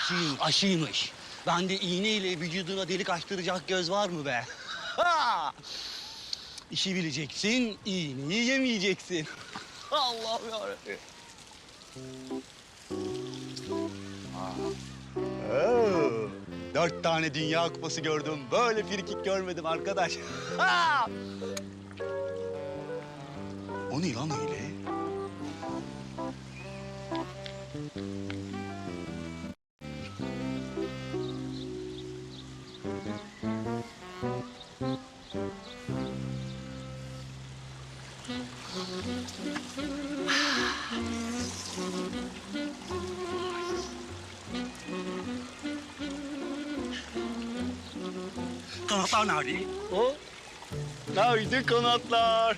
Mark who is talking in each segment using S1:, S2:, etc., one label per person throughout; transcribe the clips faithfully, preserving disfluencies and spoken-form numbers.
S1: aşıyım, aşıymış. Ben de iğneyle vücuduna delik açtıracak göz var mı be? Ha! İşi bileceksin, iğneyi yemeyeceksin. Allah'ım yarabbim. Oo, dört tane Dünya Kupası gördüm. Böyle frikik görmedim arkadaş. Ha! O ne lan öyle? Kanatlar nerede? O? Nerede kanatlar?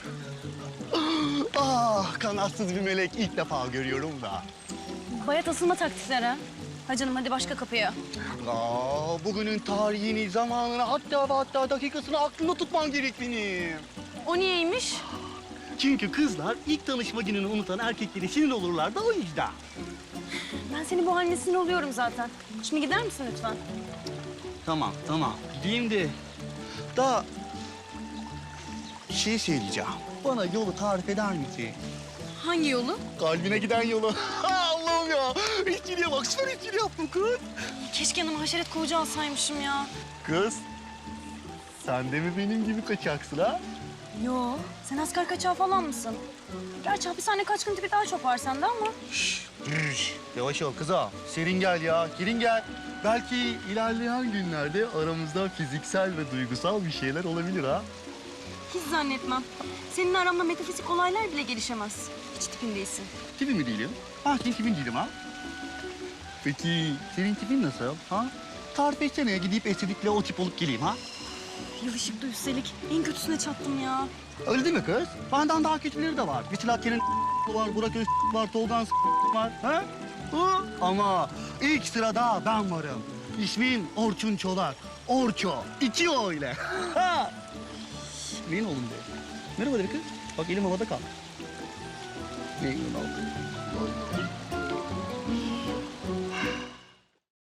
S1: Ah, kanatsız bir melek ilk defa görüyorum da.
S2: Bayat asılma taktikleri. Ha canım hadi başka kapıya.
S1: Aa, bugünün tarihini, zamanını, hatta ve hatta dakikasını aklımda tutmam gerek benim.
S2: O niyeymiş?
S1: Çünkü kızlar ilk tanışma gününü unutan erkeklere sinir olurlar da o yüzden.
S2: Ben senin bu haline sinir oluyorum zaten. Şimdi gider misin lütfen?
S1: Tamam, tamam. Gideyim de. Da bir şey söyleyeceğim. Bana yolu tarif eder misin?
S2: Hangi yolu?
S1: Kalbine giden yolu. Allah'ım ya. İçkiliye bak, süper içkili yaptım kız.
S2: Keşke yanıma haşeret kovucu alsaymışım ya.
S1: Kız, sen de mi benim gibi kaçaksın ha?
S2: Yo, sen asker kaçağı falan mısın? Gerçi hapishane kaçkın tipi daha çok var sende ama.
S1: Şşş, şş. Yavaş ol kızım. Serin gel ya, girin gel. Belki ilerleyen günlerde aramızda fiziksel ve duygusal bir şeyler olabilir ha.
S2: Hiç zannetmem. Senin aramda metafizik olaylar bile gelişemez. Hiç tipin değilsin.
S1: Tipin mi değilim? Ha, senin tipin değilim ha. Peki senin tipin nasıl ha? Tarif etsene, gidip estetikle o tip olup geleyim ha.
S2: Yılışıklı üstelik. En kötüsüne çattım ya.
S1: Öyle değil mi kız? Benden daha kötüleri de var. Mesela Kenan var, Burak Öz var, Tolgan var. Ha? Hı? Ama ilk sırada ben varım. İsmim Orçun Çolak. Orço. İki o ile. Ha! Neyin oğlum be? Merhaba de kız. Bak elim havada kaldı. Neyin oğlum?